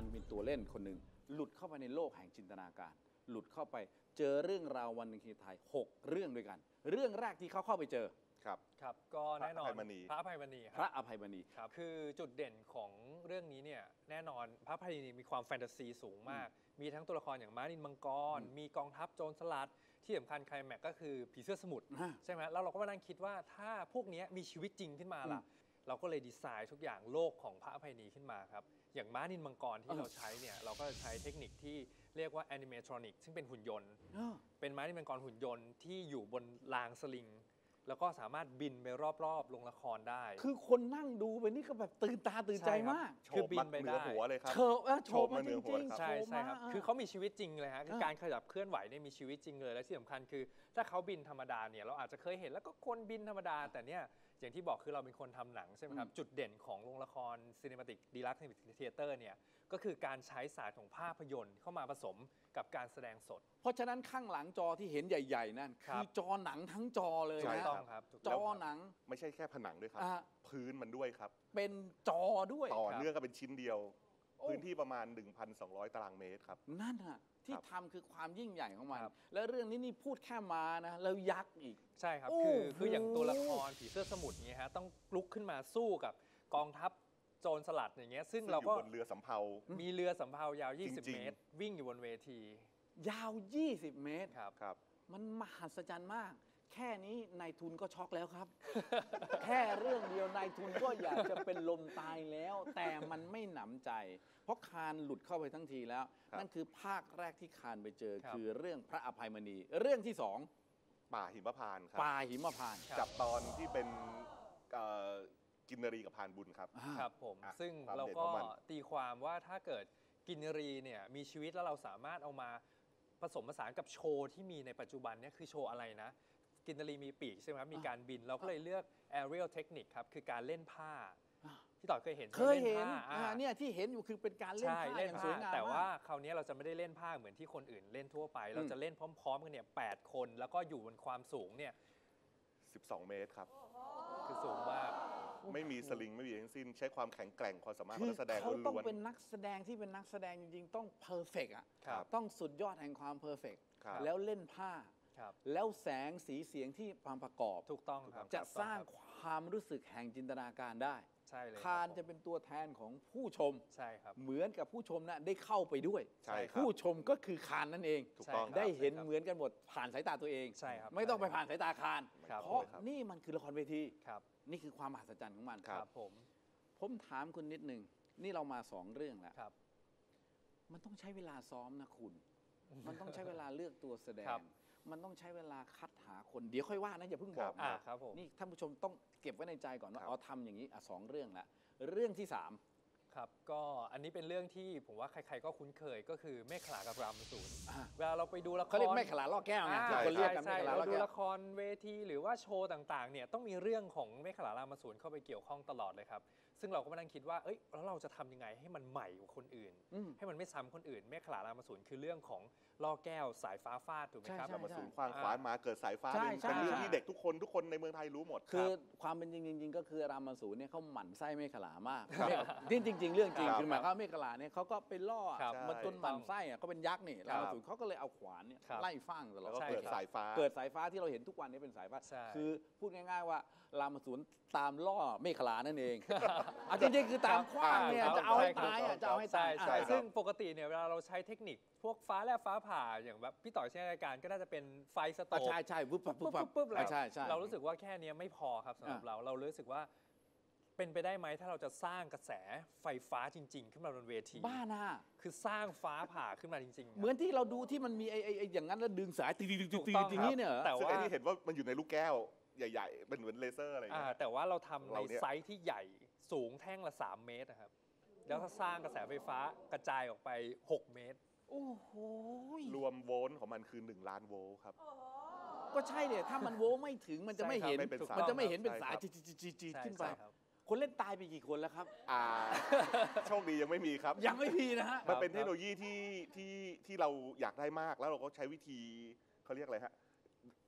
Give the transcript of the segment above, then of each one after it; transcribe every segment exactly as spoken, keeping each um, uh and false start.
เป็นตัวเล่นคนหนึ่งหลุดเข้าไปในโลกแห่งจินตนาการหลุดเข้าไปเจอเรื่องราววันหนึ่งที่ไทยหกเรื่องด้วยกันเรื่องแรกที่เขาเข้าไปเจอครับครับก็แน่นอนพระอภัยมณีพระอภัยมณีครับคือจุดเด่นของเรื่องนี้เนี่ยแน่นอนพระอภัยมณีมีความแฟนตาซีสูงมากมีทั้งตัวละครอย่างม้านินมังกรมีกองทัพโจรสลัดที่สำคัญไคลแม็กซ์ก็คือผีเสื้อสมุทรใช่ไหมแล้วเราก็มานั่งคิดว่าถ้าพวกนี้มีชีวิตจริงขึ้นมาล่ะเราก็เลยดีไซน์ทุกอย่างโลกของพระอภัยมณีขึ้นมาครับอย่างม้านินมังกรที่เราใช้เนี่ยเราก็ใช้เทคนิคที่เรียกว่าแอนิเมทรอนิกซึ่งเป็นหุ่นยนต์เป็นม้านินมังกรหุ่นยนต์ที่อยู่บนรางสลิงแล้วก็สามารถบินไปรอบๆลงละครได้คือคนนั่งดูไปนี่ก็แบบตื่นตาตื่นใจมากคือบินไปได้หัวเลยครับโฉบโฉบมาจริงๆใช่ใช่ครับคือเขามีชีวิตจริงเลยฮะคือการขยับเคลื่อนไหวเนี่ยมีชีวิตจริงเลยและที่สำคัญคือถ้าเขาบินธรรมดาเนี่ยเราอาจจะเคยเห็นแล้วก็คนบินธรรมดาแต่เนี่ยอย่างที่บอกคือเราเป็นคนทำหนังใช่ไหมครับจุดเด่นของโรงละครซีนิมาติกดีลักซ์เทเตอร์เนี่ยก็คือการใช้ศาสตร์ของภาพยนตร์เข้ามาผสมกับการแสดงสดเพราะฉะนั้นข้างหลังจอที่เห็นใหญ่ๆนั่นคือจอหนังทั้งจอเลยนะต้องครับจอหนังไม่ใช่แค่ผนังด้วยครับพื้นมันด้วยครับเป็นจอด้วยต่อเนื่องกันเป็นชิ้นเดียวพื้นที่ประมาณ หนึ่งพันสองร้อย ตารางเมตรครับนั่นฮะที่ทำคือความยิ่งใหญ่ของมันและเรื่องนี้นี่พูดแค่มานะแล้วยักษ์อีกใช่ครับคือคืออย่างตัวละครผีเสื้อสมุทรเงี้ยฮะต้องลุกขึ้นมาสู้กับกองทัพโจรสลัดอย่างเงี้ยซึ่งเราก็บนเรือสำเภามีเรือสำเภายาวยี่สิบเมตรวิ่งอยู่บนเวทียาวยี่สิบเมตรครับครับมันมหัศจรรย์มากแค่นี้นายทุนก็ช็อกแล้วครับ แค่เรื่องเดียวนายทุนก็อยากจะเป็นลมตายแล้วแต่มันไม่หนำใจเพราะคานหลุดเข้าไปทั้งทีแล้วนั่นคือภาคแรกที่คานไปเจอคือเรื่องพระอภัยมณีเรื่องที่สองป่าหิมพานต์ครับป่าหิมพานต์จับตอนที่เป็นกินนรีกับพานบุญครับครับผมซึ่งเราก็ตีความว่าถ้าเกิดกินนรีเนี่ยมีชีวิตแล้วเราสามารถเอามาผสมผสานกับโชว์ที่มีในปัจจุบันเนี่ยคือโชว์อะไรนะกินนรีมีปีกใช่ไหมครับมีการบินเราก็เลยเลือก aerial technique ครับคือการเล่นผ้าพี่ต่อเคยเห็นเคยเห็นเนี่ยที่เห็นอยู่คือเป็นการเล่นผ้าอย่างสวยงามแต่ว่าคราวนี้เราจะไม่ได้เล่นผ้าเหมือนที่คนอื่นเล่นทั่วไปเราจะเล่นพร้อมๆกันเนี่ยแปดคนแล้วก็อยู่บนความสูงเนี่ยสิบสองเมตรครับคือสูงมากไม่มีสลิงไม่มีทั้งสิ้นใช้ความแข็งแกร่งความสามารถของนักแสดงล้วนเขาต้องเป็นนักแสดงที่เป็นนักแสดงจริงๆต้องเพอร์เฟกต์อ่ะต้องสุดยอดแห่งความเพอร์เฟกต์แล้วเล่นผ้าแล้วแสงสีเสียงที่ความประกอบถูกต้องครับจะสร้างความรู้สึกแห่งจินตนาการได้ใช่เลยคานจะเป็นตัวแทนของผู้ชมใช่ครับเหมือนกับผู้ชมนะได้เข้าไปด้วยใช่ผู้ชมก็คือคานนั่นเองถูกต้องได้เห็นเหมือนกันหมดผ่านสายตาตัวเองใช่ครับไม่ต้องไปผ่านสายตาคานเพราะนี่มันคือละครเวทีนี่คือความมหัศจรรย์ของมันครับผมผมถามคุณนิดนึงนี่เรามาสองเรื่องแล้วครับมันต้องใช้เวลาซ้อมนะคุณมันต้องใช้เวลาเลือกตัวแสดงมันต้องใช้เวลาคัดหาคนเดี๋ยวค่อยว่านะอย่าเพิ่งบอกนะครับผมนี่ท่านผู้ชมต้องเก็บไว้ในใจก่อนว่าอ๋อทำอย่างนี้อ่ะสองเรื่องละเรื่องที่สามครับก็อันนี้เป็นเรื่องที่ผมว่าใครๆก็คุ้นเคยก็คือเมฆขลากับรามสูรเวลาเราไปดูละครเขาเรียกเมฆขลาล่อแก้วไงที่คนเรียกกันเมฆขลาล่อแก้วเราดูละครเวทีหรือว่าโชว์ต่างๆเนี่ยต้องมีเรื่องของเมฆขลารามสูรเข้าไปเกี่ยวข้องตลอดเลยครับซึ่งเราก็มานั่งคิดว่าเอ้ยแล้วเราจะทำยังไงให้มันใหม่กว่าคนอื่นให้มันไม่ซ้ำคนอื่นเมฆขลารามสูรคือเรื่องของล่อแก้วสายฟ้าฟาดถูกไหมครับรามสูรควางขวานมาเกิดสายฟ้าเป็นเรื่องที่เด็กทุกคนทุกคนในเมืองไทยรู้หมดคือความเป็นจริงๆก็คือรามสูรเนี่ยเขาหมั่นไส้เมฆขลามากนี่จริงๆเรื่องจริงคือหมายความว่าเมฆขลาเนี่ยเขาก็ไปล่อมันจนหมั่นไส้อ่ะเขาเป็นยักษ์นี่รามสูรเขาก็เลยเอาขวานเนี่ยไล่ฟั่งตลอดแล้วก็เกิดสายฟ้าเกิดสายฟ้าที่เราเห็นทุกวันนี้เป็นสายฟ้าคือพูดง่ายๆว่ารามสูรตามล่อเมฆขลานั่นเองจริงๆคือตามขว้างเนี่ยจะเอาให้ตายจะเอาให้ตายซึ่งปกติเนี่ยเวลาเราใช้เทคนิคพวกฟ้าแลบฟ้าผ่าอย่างแบบพี่ต่อยใช้รายการก็น่าจะเป็นไฟสโตร์ใช่ใช่ปุ๊บปุ๊บปุ๊บปุ๊บใช่ใช่เรารู้สึกว่าแค่นี้ไม่พอครับสำหรับเราเรารู้สึกว่าเป็นไปได้ไหมถ้าเราจะสร้างกระแสไฟฟ้าจริงๆขึ้นมาบนเวทีบ้านะคือสร้างฟ้าผ่าขึ้นมาจริงๆเหมือนที่เราดูที่มันมีไอ้ไอ้อย่างนั้นแล้วดึงสายตีตีตีตีอย่างนี้เนี่ยแต่ว่าที่เห็นว่ามันอยู่ในลูกแก้วใหญ่ๆเป็นเหมือนเลเซอร์อะไรอย่างเงี้ยแต่ว่าเราทำในไซส์ที่ใหญ่สูงแท่งละสามเมตรนะครับแล้วถ้าสร้างกระแสไฟฟ้ากระจายออกไปหกเมตรโอ้โหรวมโวลต์ของมันคือหนึ่งล้านโวลต์ครับก็ใช่เนี่ยถ้ามันโวลต์ไม่ถึงมันจะไม่เห็นมันจะไม่เห็นเป็นสายจีจีจีจีขึ้นไปคนเล่นตายไปกี่คนแล้วครับอ่าโชคดียังไม่มีครับยังไม่มีนะฮะมันเป็นเทคโนโลยีที่ที่ที่เราอยากได้มากแล้วเราก็ใช้วิธีเขาเรียกอะไรฮะ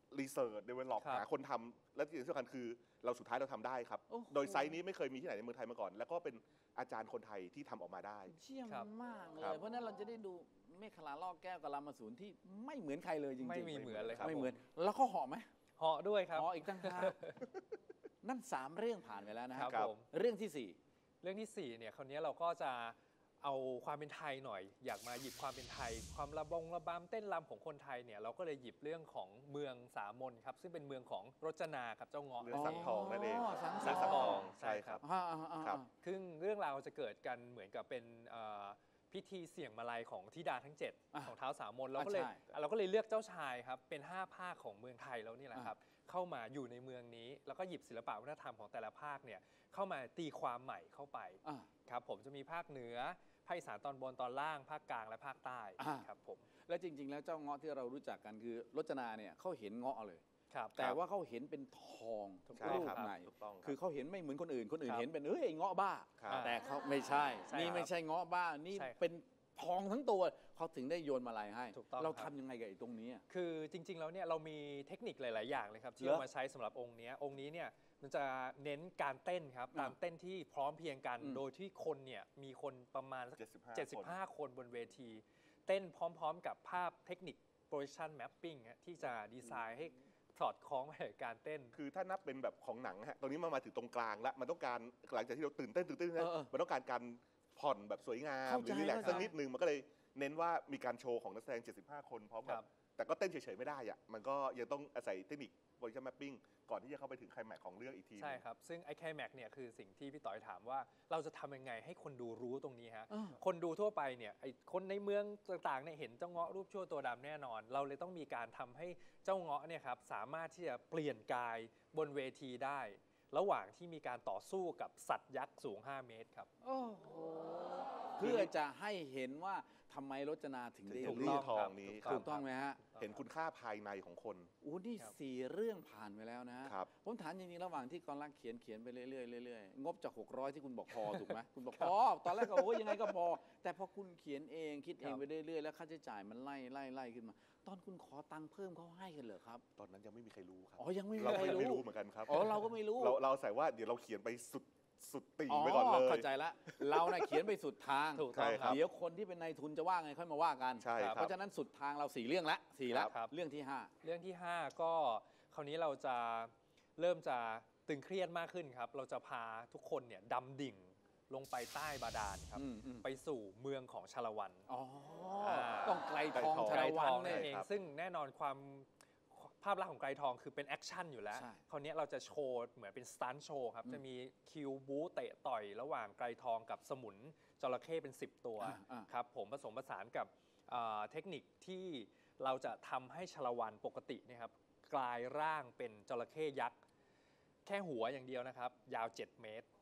รีเสิร์ชเดเวลลอปครับหาคนทำและที่สำคัญคือเราสุดท้ายเราทำได้ครับโอ้โหโดยไซส์นี้ไม่เคยมีที่ไหนในเมืองไทยมาก่อน แล้วก็เป็นอาจารย์คนไทยที่ทำออกมาได้เชี่ยมครับมากเลครัยบเพราะฉะนั้นเราจะได้ดูเมฆขลาลอกแก้วกับรามาสูนที่ไม่เหมือนใครเลยจริงๆไม่มีเหมือนเลยครับไม่เหมือนผมแล้วเขาเหาะไหมเหาะด้วยครับเหาะอีกตั้งหากนั่นสามเรื่องผ่านไปแล้วนะคครัรับบครับผมเรื่องที่สี่เรื่องที่สี่เนี่ยคราวนี้เราก็จะเอาความเป็นไทยหน่อย อยากมาหยิบความเป็นไทย ความระบงระบำเต้นรำของคนไทยเนี่ยเราก็เลยหยิบเรื่องของเมืองสามนครับซึ่งเป็นเมืองของรจนาครับเจ้าเงาะเรื่องสังทองนั่นเองสังสังททออง งใช่ครับอ่าอ่าอ่าครับซึ่งเรื่องราวจะเกิดกันเหมือนกับเป็นเอ่อพิธีเสี่ยงมาลัยของธิดาทั้งเจ็ดอ่ะของเท้าวสามนเราก็เลยอ่ะใช่เราก็เลยเลือกเจ้าชายครับเป็นห้าภาคของเมืองไทยแล้วนี่แหละครับเข้ามาอยู่ในเมืองนี้แล้วก็หยิบศิลปะวัฒนธรรมของแต่ละภาคเนี่ยเข้ามาตีความใหม่เข้าไปอ่าครับผมจะมีภาคเหนือภาคอีสานตอนบนตอนล่างภาคกลางและภาคใต้อ่าครับผมและจริง ๆ แล้วเจ้าเงาะที่เรารู้จักกันคือรจนาเนี่ยเขาเห็นเงาะเลยครับแต่ว่าเขาเห็นเป็นทองถูกใช่รูปครับในถูกต้องรับคือเขาเห็นไม่เหมือนคนอื่น คนอื่นครับเห็นเป็นเอ้ยไอ้เงาะบ้าครับแต่เขาไม่ใช่ใช่นี่ครับไม่ใช่เงาะบ้า นี่ใช่ครับเป็นทองทั้งตัว เขาถึงได้โยนมาลายให้ถูกต้องเราครัทำบยังไงกับไอ้ตรงนี้อะคือจริงๆแล้วเนี่ยเรามีเทคนิคหลาย ๆ อย่างเลยครับที่เหรอเอามาใช้สำหรับองค์เนี้ยองค์นี้เนี่ยมันจะเน้นการเต้นครับอ่าตามเต้นที่พร้อมเพรียงกันอืมโดยที่คนเนี่ยมีคนประมาณสัก 75 เจ็ดสิบห้าคนบนเวที เต้นพร้อม ๆ กับภาพเทคนิค position mapping ฮะที่จะดีไซน์ให้สอดคล้องไปกับการเต้นคือถ้านับเป็นแบบของหนังฮะตอนนี้มันมาถึงตรงกลางแล้ว มันต้องการหลังจากที่เราตื่นเต้นตื่นเต้นเออเออมันต้องการการผ่อนแบบสวยงามเข้าหใจรือรีแลกซ์เข้าใจสักนิดนึง มันก็เลยเน้นว่ามีการโชว์ของนักแสดง เจ็ดสิบห้า คนพร้อมคกัรับบ แต่ก็เต้นเฉยๆไม่ได้อะมันก็ยังต้องอาศัยเทคนิค position mapping ก่อนที่จะเข้าไปถึงไคลแม็กซ์ของเรื่องอีกทีหนึ่งใช่ครับ ซึ่งไอ้ไคลแม็กซ์เนี่ยคือสิ่งที่พี่ต่อยถามว่าเราจะทำยังไงให้คนดูรู้ตรงนี้ฮะอ่าคนดูทั่วไปเนี่ยไอ้คนในเมืองต่างๆเนี่ยเห็นเจ้าเงาะรูปชั่วตัวดำแน่นอน เราเลยต้องมีการทำให้เจ้าเงาะเนี่ยครับสามารถที่จะเปลี่ยนกายบนเวทีได้ ระหว่างที่มีการต่อสู้กับสัตว์ยักษ์สูง ห้า เมตรครับโอ้โหเพื่อจะให้เห็นว่าทำไมรจนาถึงได้ถึงเลืเรื่ออก งทองนี้ถูกถูกต้องไหมฮะเห็นคุณค่าภายในของคนโอ้นี่ครับสี่เรื่องผ่านไปแล้วนะครับผมถามจริงๆ ระหว่างที่กรลักษณ์เขียนเขียนไปเรื่อยๆเรื่อยๆ งบจาก หกร้อย ที่คุณบอกพอ ถูกไหม คุณบอกพอ ตอนแรกก็โอ้ยยังไงก็พอ แต่พอคุณเขียนเองคิดเองไปเรื่อยๆ แล้วค่าใช้จ่ายมันไล่ไล่ไล่ขึ้นมา ตอนคุณขอตังค์เพิ่มเขาให้กันเหรอครับตอนนั้นยังไม่มีใครรู้ครับอ๋อ ยังไม่มีเราใครก็ยังไม่รู้รู้เหมือนกันครับอ๋อ เราก็ไม่รู้เราเราใส่ว่าเดี๋ยวเราเขียนไปสุดสุดติ่งไปก่อนเลยเข้าใจละ เราน่ะเขียนไปสุดทางถูกต้องใช่ครับเดี๋ยวคนที่เป็นนายทุนจะว่าไงค่อยมาว่ากันใช่ครับเพราะฉะนั้นสุดทางเราสี่เรื่องละสี่ละครับเรื่องที่ห้าเรื่องที่ ห้า ก็คราวนี้เราจะเริ่มจะตึงเครียดมากขึ้นครับ เราจะพาทุกคนเนี่ยดำดิ่งลงไปใต้บาดาลครับอืมอืมไปสู่เมืองของชาละวันอ๋ออ่าต้องไกลทองไกลทองชาละวันทองเนี่นั่ยนเองครับซึ่งแน่นอนความภาพลักษณ์ของไกรทองคือเป็นแอคชั่นอยู่แล้วใช่คราวนี้เราจะโชว์เหมือนเป็นสตันท์โชว์ครับอืมจะมีคิวบูเตะต่อยระหว่างไกรทองกับสมุนจระเข้เป็น สิบ ตัวอ่าอ่าครับผมผสมผสานกับเอ่อเทคนิคที่เราจะทำให้ชาละวันปกติเนะครับกลายร่างเป็นจระเข้ยักษ์ แค่หัวอย่างเดียวนะครับ ยาว เจ็ด เมตร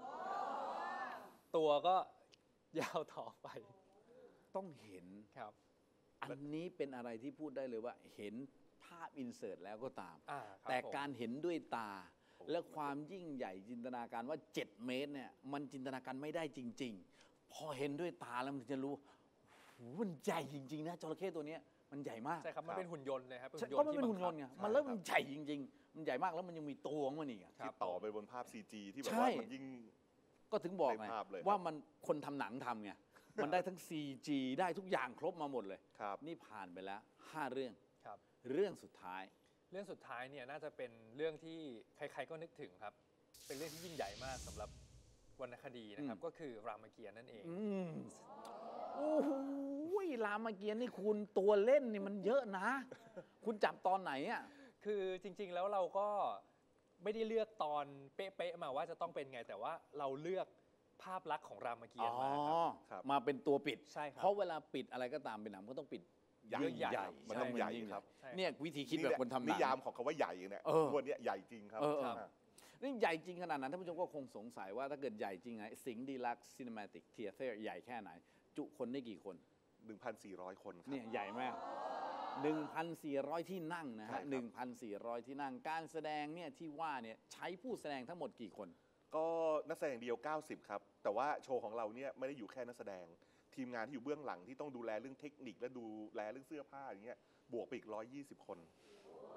ตัวก็ยาวต่อไปต้องเห็นครับอันนี้เป็นอะไรที่พูดได้เลยว่าเห็นภาพอินเสิร์ตแล้วก็ตามอ่าครับแต่ผมการเห็นด้วยตา และความยิ่งใหญ่จินตนาการว่า เจ็ด เมตรเนี่ยมันจินตนาการไม่ได้จริง ๆ พอเห็นด้วยตาแล้วมันจะรู้โหมันใหญ่จริง ๆ นะจระเข้ตัวเนี้ยมันใหญ่มากใช่ครับ มันเป็นหุ่นยนต์เลยครับใช่เพราะมันเป็นหุ่นยนต์ไงที่บังคับมันเริ่มมันใหญ่จริง ๆ มันใหญ่มากแล้วมันยังมีตัวของมันอีกอะครัที่บต่อไปบนภาพ ซี จี ที่แบบใช่ว่ามันยิ่งก็ถึงบอกไงในภาพเลยครับว่ามันคนทำหนังทำไงมันได้ทั้ง ซี จี ได้ทุกอย่างครบมาหมดเลยครับนี่ผ่านไปแล้วห้าเรื่องครับเรื่องสุดท้ายเรื่องสุดท้ายเนี่ยน่าจะเป็นเรื่องที่ใครๆก็นึกถึงครับ เป็นเรื่องที่ยิ่งใหญ่มากสำหรับวรรณคดีนะครับอืมก็คือรามเกียรติ์นั่นเองอืมโอ้โหรามเกียรติ์นี่คุณตัวเล่นนี่มันเยอะนะ คุณจับตอนไหนอ่ะคือจริงๆแล้วเราก็ไม่ได้เลือกตอนเป๊ะๆมาว่าจะต้องเป็นไง แต่ว่าเราเลือกภาพลักษณ์ของรามเกียรติ์มาครับครับมาเป็นตัวปิดใช่ครับเพราะเวลาปิดอะไรก็ตามเป็นหนังก็ต้องปิดใหญ่ใหญ่ครับมันต้องช่ใหญ่ยิ่ครับใช่เนี่ยวิธีคิดแบบคนทำหนันิงยามของคำว่าใหญ่เนี่ยเออวันนี้ใหญ่จริงครับเออเออครับนี่ใหญ่จริงขนาดนั้นท่านผู้ชมก็คงสงสัยว่าถ้าเกิดใหญ่จริงไงสิงห์ดีลักซ์ซีนิมาติกเทียเตอร์ใหญ่แค่ไหน จุคนได้กี่คนหนึ่งพันสี่ร้อย คนครับเนี่ยใหญ่มาก หนึ่งพันสี่ร้อย ที่นั่งนะใช่ฮะครับหนึ่งพันสี่ร้อย ที่นั่ง การแสดงเนี่ยที่ว่าเนี่ยใช้ผู้แสดงทั้งหมดกี่คนก็นักแสดงเดียว เก้าสิบ ครับ แต่ว่าโชว์ของเราเนี่ยไม่ได้อยู่แค่นักแสดง ทีมงานที่อยู่เบื้องหลังที่ต้องดูแลเรื่องเทคนิคและดูแลเรื่องเสื้อผ้าอย่างเงี้ยบวกไปอีกหนึ่งร้อยยี่สิบ คน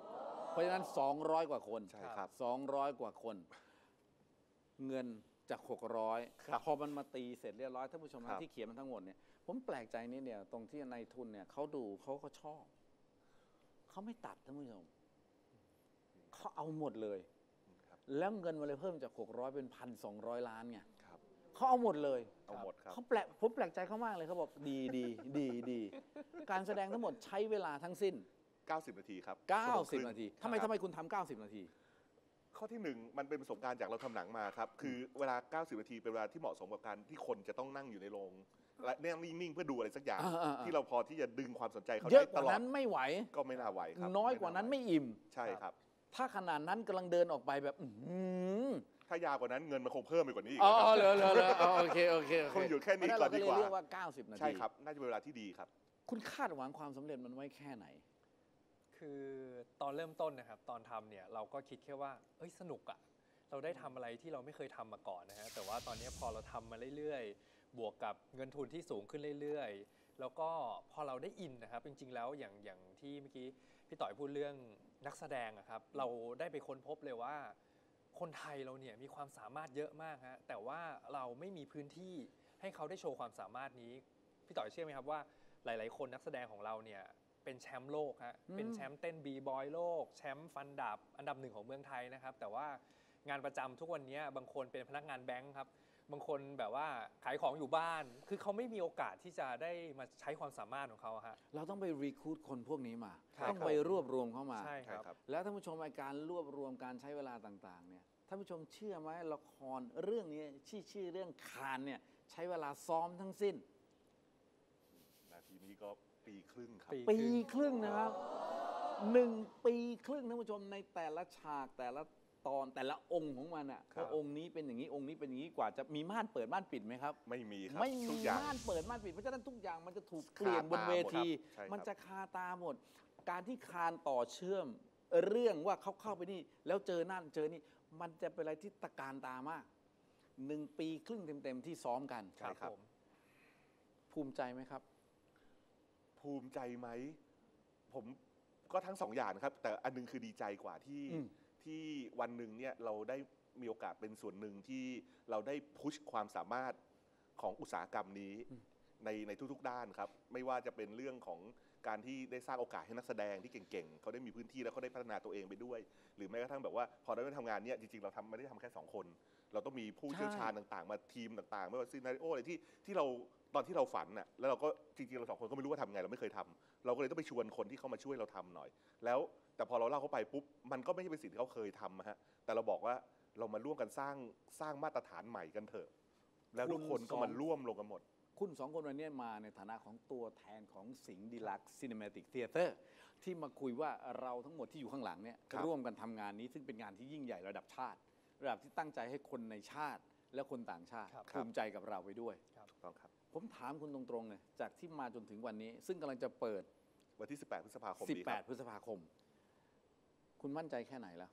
เพราะฉะนั้น สองร้อย กว่าคนใช่ครับสองร้อย กว่าคน เงินจาก หกร้อยครับพอมันมาตีเสร็จเรียบร้อยท่านผู้ชมครับที่เขียนมันทั้งหมดเนี่ยผมแปลกใจนิดเดียวตรงที่นายทุนเนี่ยเขาดูเขาก็ชอบเขาไม่ตัดท่านผู้ชมเขาเอาหมดเลยครับแล้วเงินมันเลยเพิ่มจาก หกร้อย เป็น หนึ่งพันสองร้อย ล้านไงครับเขาเอาหมดเลยเอาหมดครับเขาแปลกผมแปลกใจเขามากเลยเขาบอกดีดีดีดีการแสดงทั้งหมดใช้เวลาทั้งสิ้นเก้าสิบ นาทีครับเก้าสิบชั่วโมงครึ่งนาทีทำไมครับทำไมคุณทำเก้าสิบนาทีข้อที่หนึ่งมันเป็นประสบการณ์จากเราทำหนังมาครับ คือเวลา เก้าสิบ นาทีเป็นเวลาที่เหมาะสมกับการที่คนจะต้องนั่งอยู่ในโรงและนั่งนิ่งๆเพื่อดูอะไรสักอย่างอ่าๆๆที่เราพอที่จะดึงความสนใจเขาเยได้อะกตว่าลอดนั้นไม่ไหวก็ไม่น่าไหวครับน้อยกว่านั้นไม่อิ่มใช่ครับถ้าขนาดนั้นกำลังเดินออกไปแบบ อื้อหือถ้ายาวกว่านั้นเงินมันคงเพิ่มไปกว่านี้อีกอ๋อนะครับเหรอเหรอเหรออ๋อโอเคโอเคโอเคคงอยู่แค่นี้เพราะฉะก่อนดีกว่าเรเรียกว่า เก้าสิบ นาทีใช่ครับ น่าจะเป็นเวลาที่ดีครับคุณคาดหวังความสำเร็จมันไว้แค่ไหนคือตอนเริ่มต้นนะครับตอนทำเนี่ยเราก็คิดแค่ว่าเอ้ยสนุกอะเราได้ทำอะไรที่เราไม่เคยทำมาก่อนนะฮะแต่ว่าตอนนี้พอเราทำมาเรื่อยๆ บวกกับเงินทุนที่สูงขึ้นเรื่อยๆ แล้วก็พอเราได้อินนะครับจริงๆแล้วอย่างอย่างที่เมื่อกี้พี่ต่อยพูดเรื่องนักแสดงอะครับเราได้ไปค้นพบเลยว่า คนไทยเราเนี่ยมีความสามารถเยอะมากฮะแต่ว่าเราไม่มีพื้นที่ให้เขาได้โชว์ความสามารถนี้พี่ต่อยเชื่อไหมครับว่าหลายๆคนนักแสดงของเราเนี่ยเป็นแชมป์โลกฮะอืมเป็นแชมป์เต้นบีบอยโลกแชมป์ฟันดาบอันดับหนึ่งของเมืองไทยนะครับแต่ว่างานประจำทุกวันนี้บางคนเป็นพนักงานแบงค์ครับบางคนแบบว่าขายของอยู่บ้าน คือเขาไม่มีโอกาสที่จะได้มาใช้ความสามารถของเขาฮะเราต้องไปรีคูดคนพวกนี้มาครับต้องไปรวบรวมเข้ามาใช่คใช่รับครับแล้วท่านผู้ชมในการรวบรวมการใช้เวลาต่างๆเนี่ยท่านผู้ชมเชื่อไหมละครเรื่องนี้ชื่อชื่อเรื่องคานเนี่ยใช้เวลาซ้อมทั้งสิ้นนาทีนี้ก็ปีครึ่งครับปีปีครึ่งนะครับหนึ่งปีครึ่งท่านผู้ชมในแต่ละฉากแต่ละตอนแต่ละองค์ของมันอ่ะครับว่าองค์นี้เป็นอย่างนี้องค์นี้เป็นอย่างนี้กว่าจะมีม่านเปิดม่านปิดไหมครับไม่มีครับไม่ทุมีกอย่างม่านเปิดม่านปิดเพราะฉะนั้นทุกอย่างมันจะถูกเปลี่ยนบนเวทีคาตาหมดครับใช่ครับมันจะคาตาหมด การที่คานต่อเชื่อมเรื่องว่าเขาเข้าไปนี่ แล้วเจอนั่นเจอนี่มันจะเป็นอะไรที่ตะการตามากหนึ่งปีครึ่งเต็มๆที่ซ้อมกันใช่ครับผมภูมิใจไหมครับภูมิใจไหม ผมก็ทั้งสองอย่างนะครับ แต่อันนึงคือดีใจกว่าที่อืมที่วันหนึ่งเนี่ยเราได้มีโอกาสเป็นส่วนหนึ่งที่เราได้พุชความสามารถของอุตสาหกรรมนี้ในในทุกๆด้านครับ ไม่ว่าจะเป็นเรื่องของการที่ได้สร้างโอกาสให้นักแสดงที่เก่งๆเขาได้มีพื้นที่แล้วเขาได้พัฒนาตัวเองไปด้วย หรือแม้กระทั่งแบบว่าพอเราได้ทำงานเนี่ยจริงๆเราทำไม่ได้ทำแค่สองคน เราต้องมีผู้เชี่ยวชาญต่างๆ มาทีมต่างๆไม่ว่าซีนาริโออะไรที่ที่เราตอนที่เราฝันน่ะแล้วเราก็จริงๆเราสองคนก็ไม่รู้ว่าทำไงเราไม่เคยทำเราก็เลยต้องไปชวนคนที่เข้ามาช่วยเราทำหน่อย แล้วแต่พอเราเล่าเข้าไปปุ๊บมันก็ไม่ใช่เป็นสิ่งที่เขาเคยทำอะฮะแต่เราบอกว่าเรามาร่วมกันสร้างสร้างมาตรฐานใหม่กันเถอะ แล้วทุกคนก็มาร่วมลงกันหมดคุณสองคนวันนี้มาในฐานะของตัวแทนของสิงห์ดีลักซ์ซีนิเมติกเทเตอร์ที่มาคุยว่าเราทั้งหมดที่อยู่ข้างหลังเนี่ยครับร่วมกันทำงานนี้ซึ่งเป็นงานที่ยิ่งใหญ่ระดับชาติ ระดับที่ตั้งใจให้คนในชาติและคนต่างชาติครับภูมิใจกับเราไปด้วยถูกต้องครับผมถามคุณตรงๆเลยจากที่มาจนถึงวันนี้ ซึ่งกำลังจะเปิดวันที่สิบแปดพฤษภาคมนี้ครับสิบแปด พฤษภาคม คุณมั่นใจแค่ไหนแล้ว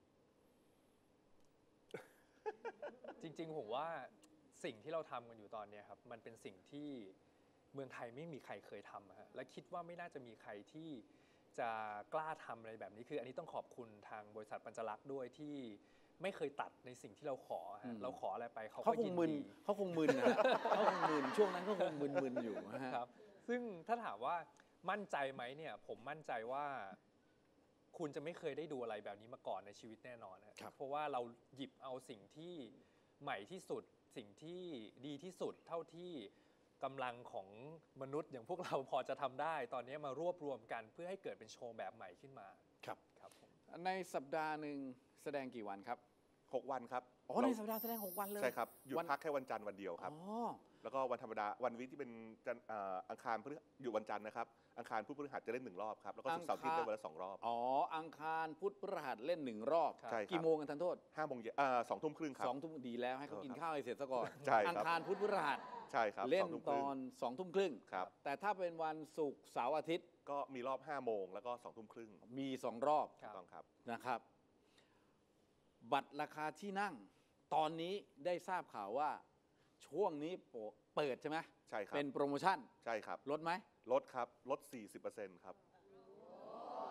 จริงๆผมว่าสิ่งที่เราทำกันอยู่ตอนเนี้ยครับมันเป็นสิ่งที่เมืองไทยไม่มีใครเคยทำอะฮะและคิดว่าไม่น่าจะมีใครที่จะกล้าทำอะไรแบบนี้คืออันนี้ต้องขอบคุณทางบริษัทปัญจลักษณ์ด้วยที่ไม่เคยตัดในสิ่งที่เราขออืฮะมเราขออะไรไปเขาเขาก็คยิงนมึนดีเขาคงมึนนะฮะเขาคงมึนช่วงนั้นเขาคงมึนๆอยู่นะฮะครับซึ่งถ้าถามว่ามั่นใจไหมเนี่ยผมมั่นใจว่าคุณจะไม่เคยได้ดูอะไรแบบนี้มาก่อนในชีวิตแน่นอนนะครับ เพราะว่าเราหยิบเอาสิ่งที่ใหม่ที่สุดสิ่งที่ดีที่สุดเท่าที่กำลังของมนุษย์อย่างพวกเราพอจะทำได้ ตอนนี้มารวบรวมกันเพื่อให้เกิดเป็นโชว์แบบใหม่ขึ้นมาครับครับผมในสัปดาห์หนึ่งแสดงกี่วันครับหกวันครับอ๋อในสัปดาห์แสดงหกวันเลยใช่ครับหยุดวันพักแค่วันจันทร์วันเดียวครับอ๋อแล้วก็วันธรรมดาวันวิกที่เป็นจันทร์เอ่ออังคารพฤหัสหยุดวันจันทร์นะครับอังคารพุธพฤหัสจะเล่นหนึ่งรอบครับแล้วก็ศุกร์เสาร์อาทิตย์อังคารได้วันละสองรอบอ๋อ อังคารพุธพฤหัสเล่นหนึ่งรอบใช่ครับกี่โมงกันทันโทษห้าโมงเย็นเอ่อสองทุ่มครึ่งครับสองทุ่มดีแล้วให้เขากินข้าวให้เสร็จซะก่อนใช่ครับอังคารพุธพฤหัสใช่ครับเล่นสองทุ่มคตรึ่งอนสองทุ่มครึ่งครับแต่ถ้าเป็นวันศุกร์เสาร์อาทิตย์ก็มีรอบห้าโมงแล้วก็สองทุ่มครึ่งมีสองรอบครัถูบกต้องครับนะครับ บัตรราคาที่นั่ง ตอนนี้ได้ทราบข่าวว่าช่วงนี้โปะเปิดใช่ไหมใช่ครับเป็นโปรโมชั่นใช่ครับลดไหมลดครับลด สี่สิบเปอร์เซ็นต์ ครับล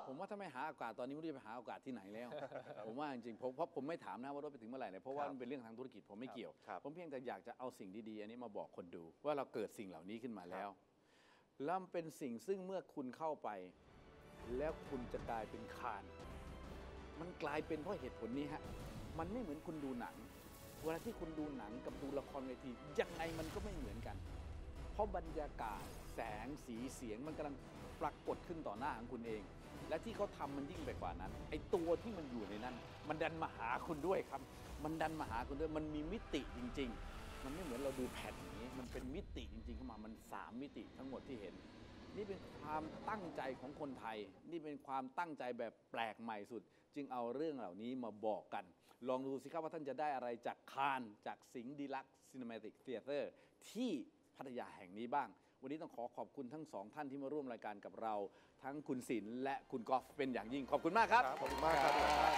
ผมว่าถ้าไม่หาโอกาสตอนนี้ไม่รู้จะไปหาโอกาสที่ไหนแล้ว ผมว่าจริงๆผมเพราะผมไม่ถามนะว่ารถไปถึงเมื่อไหร่เลยเพราะว่าครับมันเป็นเรื่องทางธุรกิจผมไม่เกี่ยวครับผมเพียงแต่อยากจะเอาสิ่งดีๆอันนี้มาบอกคนดู ว่าเราเกิดสิ่งเหล่านี้ขึ้นมาแล้วแล้วมันเป็นสิ่งซึ่งเมื่อคุณเข้าไป แล้วคุณจะกลายเป็นคาน มันกลายเป็นเพราะเหตุผลนี้ฮะมันไม่เหมือนคุณดูหนัง เวลาที่คุณดูหนังกับดูละครเวทียังไงมันก็ไม่เหมือนกัน เพราะบรรยากาศแสงสีเสียงมันกำลังปรากฏขึ้นต่อหน้าของคุณเอง และที่เขาทำมันยิ่งไปกว่านั้นไอ้ตัวที่มันอยู่ในนั้น มันดันมาหาคุณด้วยครับ มันดันมาหาคุณด้วยมันมีมิติจริง ๆ มันไม่เหมือนเราดูแผ่นอย่างนี้ มันเป็นมิติจริงๆเข้ามามันสามมิติทั้งหมดที่เห็น นี่เป็นความตั้งใจของคนไทย นี่เป็นความตั้งใจแบบแปลกใหม่สุด จึงเอาเรื่องเหล่านี้มาบอกกัน ลองดูสิครับว่าท่านจะได้อะไรจากคานจากสิงห์ดีลักซ์ซีนิเมติกเธียเตอร์ที่พัทยาแห่งนี้บ้าง วันนี้ต้องขอขอบคุณทั้งสองท่านที่มาร่วมรายการกับเรา ทั้งคุณศิลป์และคุณกอล์ฟเป็นอย่างยิ่ง ขอบคุณมากครับขอบคุณมากครับ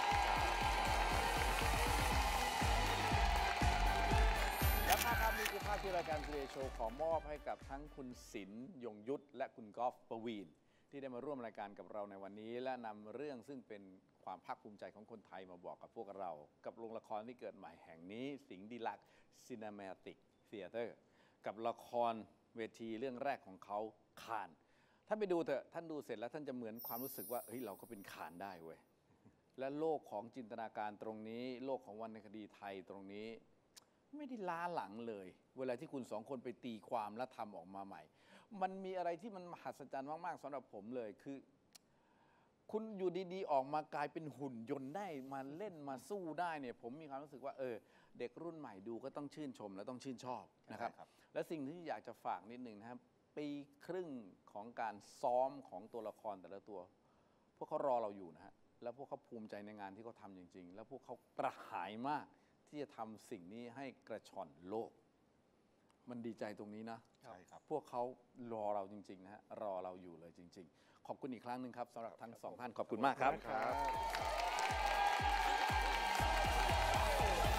และภาพภาพนี้คือภาพที่รายการทีวีโชว์ขอมอบให้กับทั้งคุณศิลป์ยงยุทธและคุณกอล์ฟปวีณที่ได้มาร่วมรายการกับเราในวันนี้ และนำเรื่องซึ่งเป็นความภาคภูมิใจของคนไทยมาบอกกับพวกเรา กับโรงละครที่เกิดใหม่แห่งนี้สิงห์ดีลักซ์ซีนิเมติกเธียเตอร์กับละครเวทีเรื่องแรกของเขาคานท่านไปดูเถอะท่านดูเสร็จแล้วท่านจะเหมือนความรู้สึกว่าเฮ้ยเราก็เป็นคานได้เว้ยและโลกของจินตนาการตรงนี้โลกของวรรณคดีไทยตรงนี้ ไม่ได้ล้าหลังเลย เวลาที่คุณสองคนไปตีความและทำออกมาใหม่ มันมีอะไรที่มันมหัศจรรย์มากๆสำหรับผมเลยคือ คุณอยู่ดีๆออกมากลายเป็นหุ่นยนต์ได้มาเล่นมาสู้ได้เนี่ยผมมีความรู้สึกว่าเออเด็กรุ่นใหม่ดูก็ต้องชื่นชมและต้องชื่นชอบนะครับใช่ครับและสิ่งที่อยากจะฝากนิดหนึ่งนะครับปีครึ่งของการซ้อมของตัวละครแต่ละตัว พวกเขารอเราอยู่นะฮะแล้วพวกเขาภูมิใจในงานที่เขาทำจริง ๆ แล้วพวกเขากระหายมากที่จะทำสิ่งนี้ให้กระชอนโลก มันดีใจตรงนี้นะใช่ครับพวกเขารอเราจริงๆนะฮะรอเราอยู่เลยจริง ๆ ขอบคุณอีกครั้งหนึ่งครับสำหรับทั้งสองท่านขอบคุณมากครับครับ